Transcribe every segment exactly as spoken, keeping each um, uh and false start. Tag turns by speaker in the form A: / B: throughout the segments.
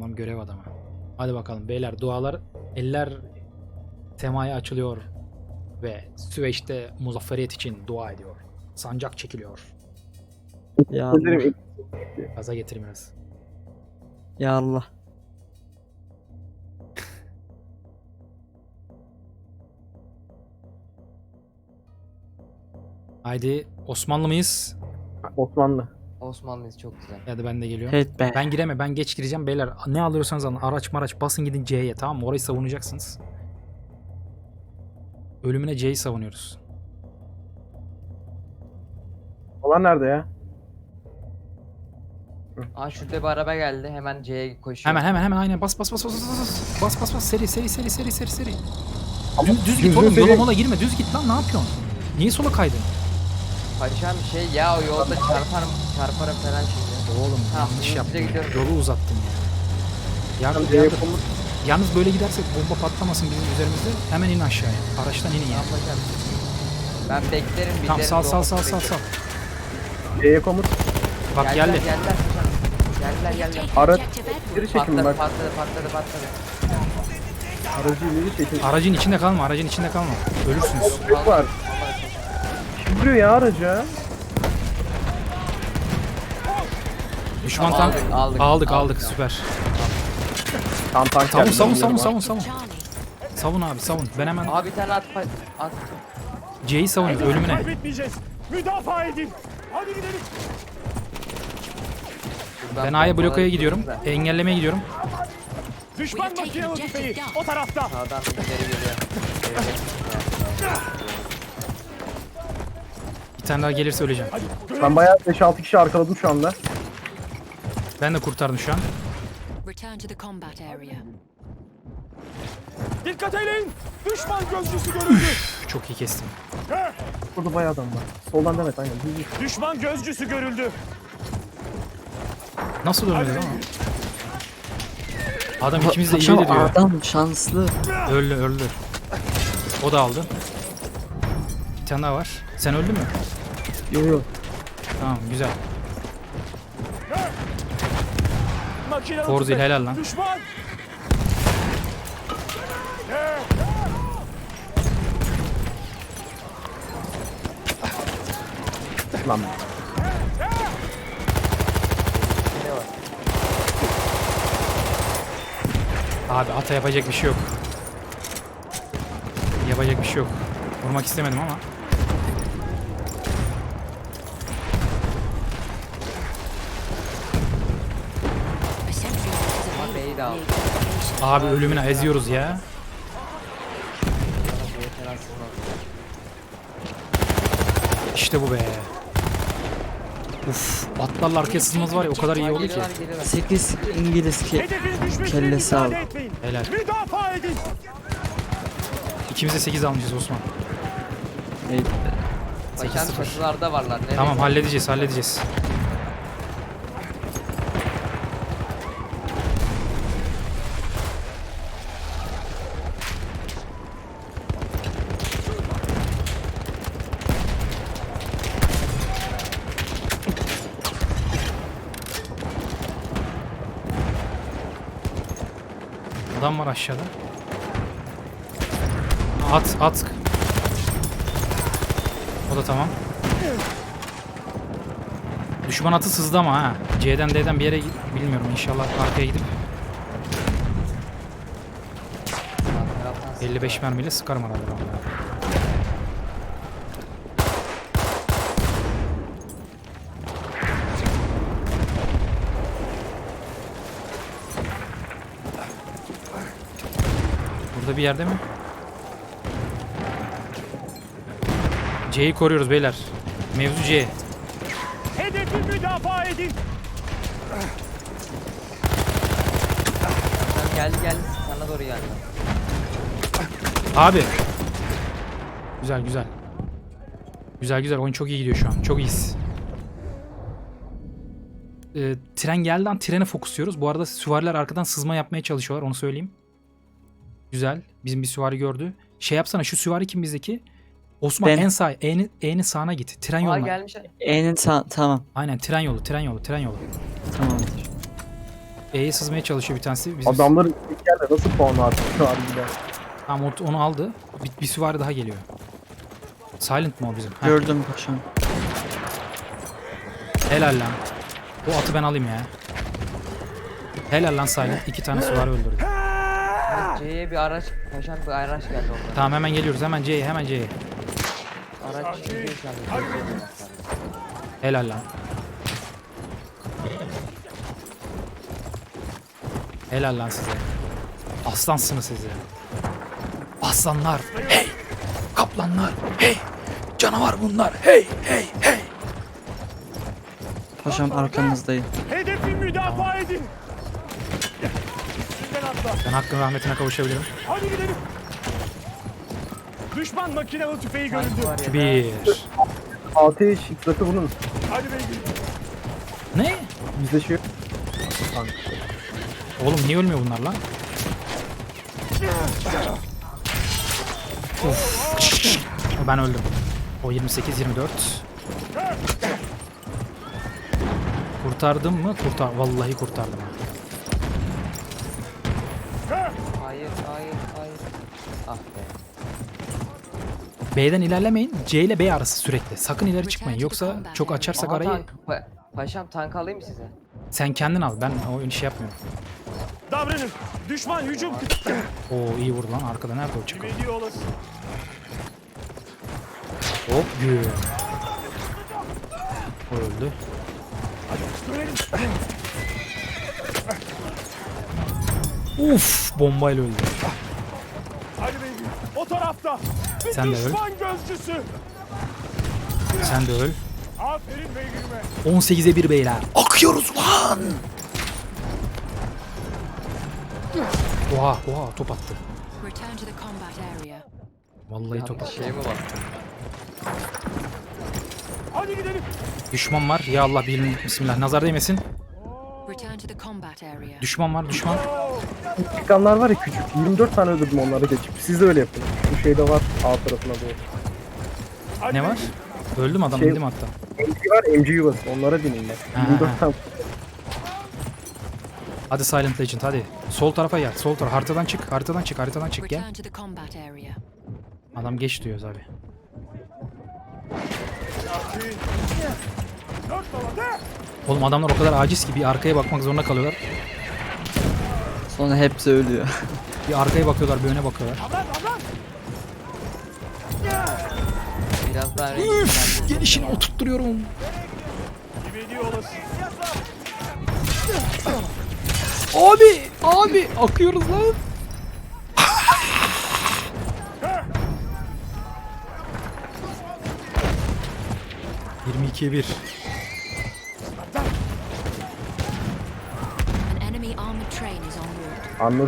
A: Adam görev adamı. Hadi bakalım beyler, dualar, eller semaya açılıyor ve Süveyş'te muzafferiyet için dua ediyor. Sancak çekiliyor.
B: Ya Allah.
A: Gaza getir biraz.
B: Ya Allah.
A: Haydi, Osmanlı mıyız?
C: Osmanlı.
D: Osmanlıyız, çok güzel.
A: Hadi ben de geliyorum.
B: Evet be.
A: Ben giremem, ben geç gireceğim beyler. Ne alıyorsanız alın, araç maraç basın gidin C'ye, tamam mı? Orayı savunacaksınız. Ölümüne C'yi savunuyoruz.
C: Olan nerede ya?
D: Aa, şurada bir araba geldi, hemen C'ye koşuyor.
A: Hemen hemen hemen aynen bas bas bas bas bas bas bas bas bas seri seri seri seri seri seri.
C: Ama
A: Düz, düz git
C: düzgün
A: oğlum,
C: seri-
A: yola mola girme, düz git lan, ne yapıyorsun? Niye sola kaydın?
D: Paşam şey ya, o yolda çarparım çarparım falan şimdi.
A: Oğlum
D: Tamam,
A: yanlış
D: hızlıca
A: yaptın ya.
D: gidiyorum.
A: Yolu uzattın ya. Yardım,
C: C'ye
A: yardım.
C: komut.
A: Yalnız böyle gidersek bomba patlamasın bizim üzerimizde. Hemen in aşağıya. Araçtan inin ya.
D: Tamam paşam. Ben beklerim, bilirim.
A: Tamam sal sal
D: doğru
A: sal sal sal.
C: C'ye komut.
A: Bak
D: Geldiler,
A: geldi.
D: geldiler paşam. Geldiler geldiler.
C: Araç geri çekin
D: Patladı
C: bak.
D: patladı patladı patladı.
C: Aracı ileri çekin.
A: Aracın içinde kalma, aracın içinde kalma. Ölürsünüz.
C: Yok var. Duruyor ya araca.
A: Düşman
D: Tamam,
A: tank.
D: aldık, aldık,
A: Aldık aldık,
D: aldık.
A: süper.
C: Tam tank
A: Savun
C: geldi,
A: savun
C: bilmiyorum
A: savun
C: ama.
A: savun savun. Savun abi savun. Ben hemen
D: Abi bir tane at pa- at.
A: C'yi savunuyorum ölümüne.
E: Kaybetmeyeceğiz. Müdafaa edin. Hadi gidelim.
A: Ben A'ya blokaya gidiyorum. Engellemeye gidiyorum.
E: Düşman makinalı tüfeği o tarafta.
D: Sağdan ileri geliyor.
A: Bir tane daha gelirse öleceğim.
E: Hadi görev.
C: Ben bayağı beş altı kişi arkaladım şu anda.
A: Ben de kurtardım şu an.
F: Return to the combat area.
E: Dikkat edin. Düşman gözcüsü görüldü.
A: Çok iyi kestim.
C: Burada bayağı adam var. Soldan demet aynen. Düz git.
E: Düşman gözcüsü görüldü.
A: Nasıl ölmedi ama? Adam ikimiz de iyi
B: Paşam,
A: diyor.
B: adam şanslı.
A: Öldü öldü. O da aldı. Bir tane daha var. Sen öldün mü?
B: Yo yo.
A: Tamam güzel.
E: Makinalı
A: Forzil
E: tüfek.
A: helal lan.
E: Düşman.
C: Lan.
A: Abi ata yapacak bir şey yok. Yapacak bir şey yok. Vurmak istemedim ama.
F: A sentry is
D: Ama
F: available
D: B'yi de aldı.
F: near your location.
A: Abi ölümüne eziyoruz ya.
D: Bana bu yeter aslında.
A: İşte bu be. Uf, atlarla arkaya sızmamız var ya, o kadar iyi oldu ki.
D: Geliyorlar geliyorlar.
B: sekiz İngiliz ki.
E: Hedefin düşmesine
B: Kellesi
E: müsaade
B: aldı.
E: etmeyin.
A: Helal.
E: Müdafaa edin.
A: İkimiz de sekiz almışız Osman.
B: Evet.
A: sekiz
D: Paşam
A: sıfır.
D: çatılarda varlar. Nereye
A: Tamam
D: gidiyor?
A: halledeceğiz halledeceğiz. Adam var aşağıda. At at. O da tamam. Düşman atı sızdı ama ha. C'den D'den bir yere git- bilmiyorum, inşallah arkaya gidip
D: Sağ taraftan
A: elli beş mermiyle sıkarım herhalde ben bunu. Burada bir yerde mi? C'yi koruyoruz beyler. Mevzu C.
E: Hedefi müdafaa edin.
D: Paşam geldi geldi. Sana doğru geldi.
A: Abi. Güzel güzel. Güzel güzel, oyun çok iyi gidiyor şu an. Çok iyiyiz. Ee, tren geldi an trene fokusluyoruz. Bu arada süvariler arkadan sızma yapmaya çalışıyorlar, onu söyleyeyim. Güzel. Bizim bir süvari gördü. Şey yapsana, şu süvari kim bizdeki? Osman
B: Ben.
A: en sağ, E'nin, E'nin sağına git. Tren
D: Aa
A: yoluna.
D: gelmişler.
B: E'nin sağ tamam.
A: Aynen tren yolu, tren yolu, tren yolu.
B: Tamamdır.
A: E'ye sızmaya çalışıyor bir tanesi. Biz,
C: Adamların ilk yerde nasıl puan artık şu an bile.
A: Tamam o- onu aldı. Bir, bir süvari daha geliyor. Silent mı o bizim? Heh,
B: Gördüm paşam.
A: helal lan. O atı ben alayım ya. Helal lan Silent. İki tane süvari öldürdü.
D: C'ye bir araç, paşam bir araç geldi ondan.
A: Tamam hemen geliyoruz. Hemen C'ye hemen C'ye.
D: Araç gidiyor şu an.
A: Helal lan. Helal lan size. Aslansınız siz ya. Aslanlar. Hey. Kaplanlar. Hey. Canavar bunlar. Hey hey hey.
B: Paşam arkanızdayım.
E: Hedefi müdafaa edin. Üstünden atla.
A: Ben hakkın rahmetine kavuşabilirim.
E: Hadi gidelim. Düşman makinalı tüfeği görüldü.
A: Bir.
C: Ateş zıplatı bunun.
E: Hadi beygir.
A: Ne?
C: Bizde şey yok.
A: Oğlum niye ölmüyor bunlar lan? Of. Ben öldüm. O yirmi sekiz yirmi dört. Kurtardım mı? Kurtar. Vallahi kurtardım. ha.
D: Hayır, hayır, hayır. Ah be.
A: B'den ilerlemeyin. C ile B arası sürekli. Sakın ileri çıkmayın. Yoksa çok açarsak
D: Aha,
A: arayı
D: tank. Pa- paşam tank alayım mı size?
A: sen kendin al. Ben o işi yapmıyorum.
E: Davranın. Düşman hücum.
A: Oo iyi vurdu lan. Arkada nerede o çıkıyor?
E: Kime olası?
A: Hop güm. O öldü. Uf bombayla öldü.
E: Hadi beygir. O tarafta. Bir
A: Sen de öl.
E: düşman gözcüsü.
A: Sen de öl.
E: Aferin beygirime.
A: on sekize bir beyler. Akıyoruz lan. Oha oha top attı.
F: Return to the combat area.
A: Vallahi top
D: Bir
A: attı.
D: şey mi var?
E: Hadi gidelim.
A: Düşman var. Ya Allah bilim bismillah. Nazar değmesin.
F: Return to the combat area.
A: Düşman var düşman.
C: Çıkanlar var ya küçük. yirmi dört tane öldürdüm onları geçip. Siz de öyle yapın. Bu şeyde var A tarafına doğru.
E: Hadi
A: Ne var?
E: beygir.
A: Öldüm adam
C: Şey-
A: indim hatta.
C: M G var M G yuvası. Onlara bineyim ben.
A: Ha,
C: yirmi dört
A: ha.
C: tane.
A: Hadi Silent Legend hadi. Sol tarafa gel. Sol taraf. Haritadan çık. Haritadan çık. Haritadan çık gel.
F: Return to the combat area.
A: Adam geç diyoruz abi.
E: Dört baba de.
A: Oğlum adamlar o kadar aciz ki bir arkaya bakmak zorunda kalıyorlar.
B: Sonra hepsi ölüyor.
A: Bir arkaya bakıyorlar, bir öne bakıyorlar.
E: Aman aman.
D: Biraz daha
A: Üf, gelişini oturtturuyorum.
E: Kime olası?
A: Abi, abi akıyoruz lan. yirmi ikiye bir.
F: An enemy armored train is en route.
C: Anlar.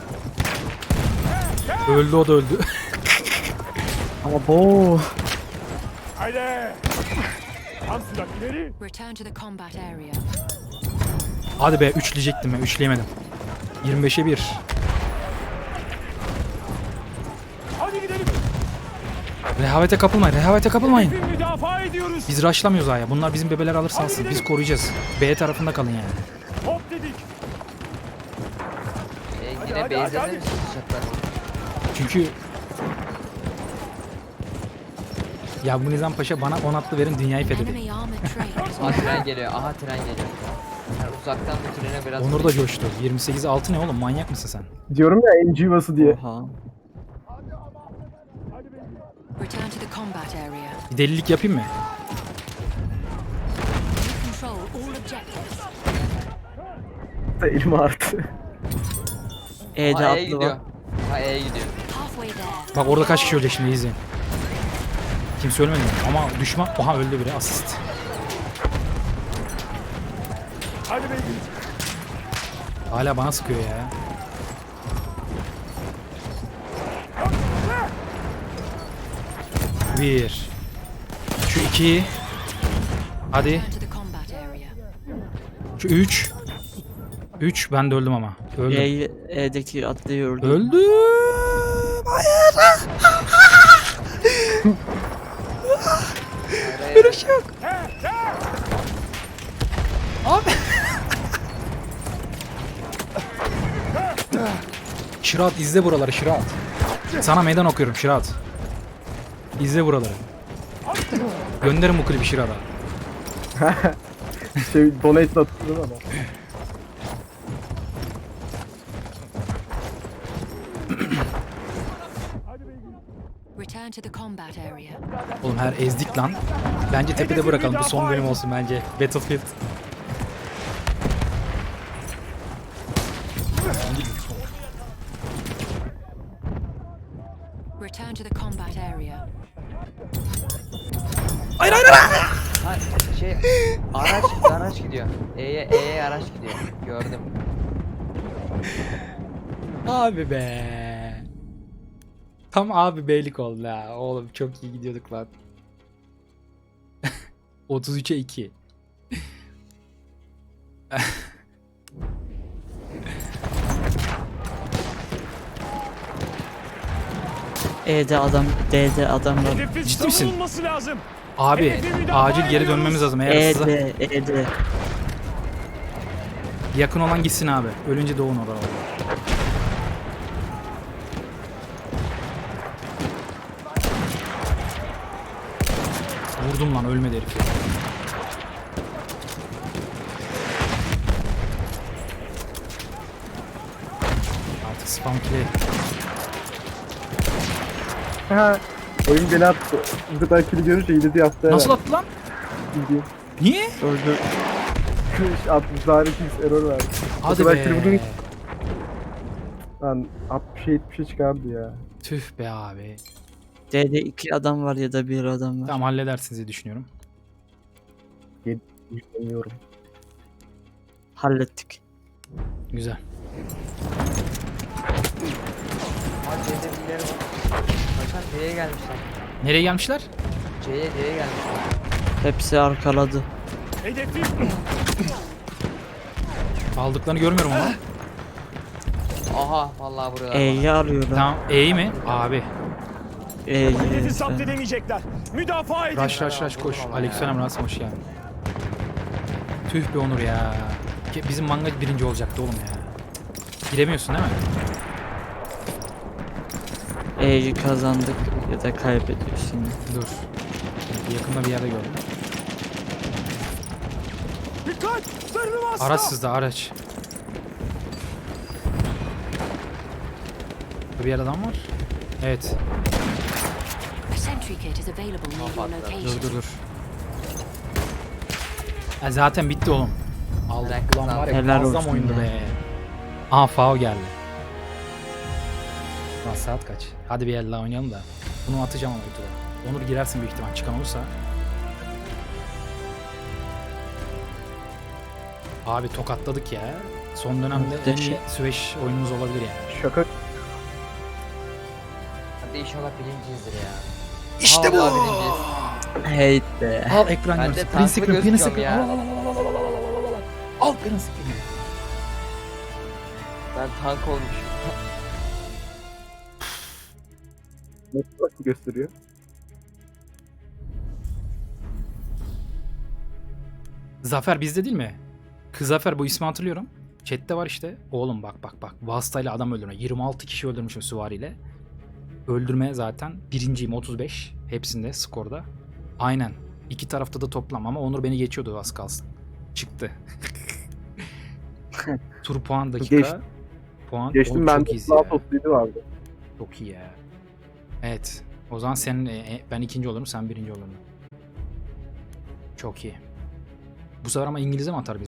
A: Öldü o da öldü.
B: Ama bu
E: Haydi. Tam sürat ileri.
F: Return to the combat area.
A: Hadi be üçleyecektim ben, üçleyemedim. yirmi beşe bir.
E: Hadi gidelim.
A: Rehavete kapılmayın, rehavete kapılmayın.
E: Hedefi müdafaa ediyoruz.
A: Biz rushlamıyoruz aya. Bunlar bizim bebeler alırsa alsın. Biz koruyacağız. B tarafında kalın yani.
E: Hop dedik.
D: E,
E: Hadi,
D: yine
E: hadi,
D: base'de
E: hadi.
D: mi sıçacaklar?
A: Çünkü ya bu Nizam Paşa bana on atlı verin dünyayı fethedin.
F: Enemy armored train is en
D: Aha
F: route.
D: tren geliyor. Aha tren geliyor. Yani uzaktan bu trene biraz...
A: Onur da coştu. yirmi sekiz altı ne oğlum, manyak mısın sen?
C: Diyorum ya M G yuvası diye.
B: oha.
F: Return to the combat area.
A: Bir delilik yapayım mı?
F: Control all objectives.
C: Elim arttı.
B: E'de
D: Aha E'ye
B: atlı
D: gidiyor.
B: var.
D: Ha E'ye gidiyor.
F: Halfway there.
A: Bak orada kaç kişi ölecek şimdi, izleyin. Kimse ölmedi mi? Ama düşman... Oha öldü biri, asist.
E: Hadi beygir.
A: Hala bana sıkıyor ya. Bir. Şu iki. Hadi.
F: Return to the combat area.
A: Şu üç. Üç. Ben de öldüm ama. Öldüm.
B: E'yi E'deki atlıyı öldü.
A: Öldüm. Hayır. Böyle bir şey yok. Abi. Şırat izle buraları Şırat. Sana meydan okuyorum Şırat. İzle buraları. Gönderin bu klibi Şırat'a.
C: Şey donate atıyor ama.
F: Return to the combat area.
A: Oğlum her ezdik lan. Bence tepede bırakalım. Bu son bölüm olsun bence. Battlefield.
F: Return to the combat area.
D: Ha şey araç araç gidiyor. E'ye E'ye araç gidiyor. Gördüm.
A: Abi be. Tam abi beylik oldu ha. Oğlum çok iyi gidiyorduk lan. otuz üçe iki.
B: E'de adam, D'de adam var.
E: Hedefin
A: Ciddi misin?
E: savunulması lazım.
A: Abi acil geri dönmemiz lazım. Eğer size
B: E'de, E'de.
A: yakın olan gitsin abi. Ölünce doğun orada. Vurdum lan ölmedi herif ya. Artık spam kill'e
C: Ha. Oyun beni attı. Bu kadar kili görünce iyiledi yaptı.
A: nasıl attı lan?
C: Bildiğin.
A: Niye?
B: Öldü.
C: altmış tane kill error verdi. O
A: Hadi
C: kadar kill
A: be.
C: vurdun. Lan altmışa yetmişe çıkardı ya.
A: Tüh be abi.
B: D'de iki adam var ya da bir adam var.
A: Tamam halledersiniz diye düşünüyorum.
C: Bilmiyorum.
B: Hallettik.
A: Güzel.
D: Ha C'de birileri var. Hakan C'ye gelmişler.
A: Nereye gelmişler?
D: C'ye C'ye gelmişler.
B: Hepsi arkaladı.
E: Hedefi
A: Aldıklarını görmüyorum ama.
D: Aha vallahi buraya.
B: E'yi arıyorlar.
A: Tamam. E'yi mi? Abi.
B: E'yi.
E: hedefi zapt edemeyecekler. Müdafaa edin.
A: Rush rush rush koş.
D: Vurdum ama
A: Aleykümselam Rasim hoş geldin. Tüh be Onur ya. Ke- Bizim manga birinci olacaktı oğlum ya. Giremiyorsun değil mi?
B: E'yi kazandık ya da kaybediyoruz şimdi.
A: Dur. Yakında bir yerde gördüm.
E: Dikkat! Zırhlı bastı.
A: Araç sızdı araç. Burada bir yer adam var. Evet.
F: A sentry kit is available near your
A: Dur
F: location.
A: dur dur. Ya zaten bitti oğlum. Aldık.
D: Bırak,
A: Ulan var ya
B: helal
A: muazzam
B: olsun
A: oyundu
B: ya.
A: be. Aha Fao geldi. Lan saat kaç? Hadi bir el daha oynayalım da. Bunu atacağım ama YouTube'a. Onur girersin büyük ihtimal çıkan olursa. Abi tokatladık ya. Son dönemde en iyi
B: Muhteşem.
A: Süveyş oyunumuz olabilir yani.
C: Şaka.
D: Hadi inşallah birinciyizdir ya.
A: İşte
D: Vallahi
A: bu.
D: birinciyiz.
B: Hey be.
A: Al ekran
D: Ben de
A: görüntüsü.
D: tanklı
A: Print screen, print
D: gözüküyorum
A: screen.
D: ya.
A: Al al al al al al al al al al. Al print screen.
D: Ben tank olmuşum.
C: Nasıl gösteriyor?
A: Zafer bizde değil mi? Kız Zafer bu ismi hatırlıyorum. Chat'te var işte. Oğlum bak bak bak. Vasıtayla adam öldürme. yirmi altı kişi öldürmüşüm süvariyle. Öldürme zaten. Birinciyim otuz beş. Hepsinde skorda. Aynen. İki tarafta da toplam ama Onur beni geçiyordu az kalsın. Çıktı. Tur puan dakika.
C: Geçtim.
A: Puan.
C: Geçtim
A: Oğlum
C: ben
A: çok
C: de
A: iyiyiz
C: daha
A: ya.
C: topluydu vardı.
A: Çok iyi ya. Evet. O zaman senin e, e, ben ikinci olurum sen birinci olurdun. Çok iyi. Bu sefer ama İngilizce mi atar bizi?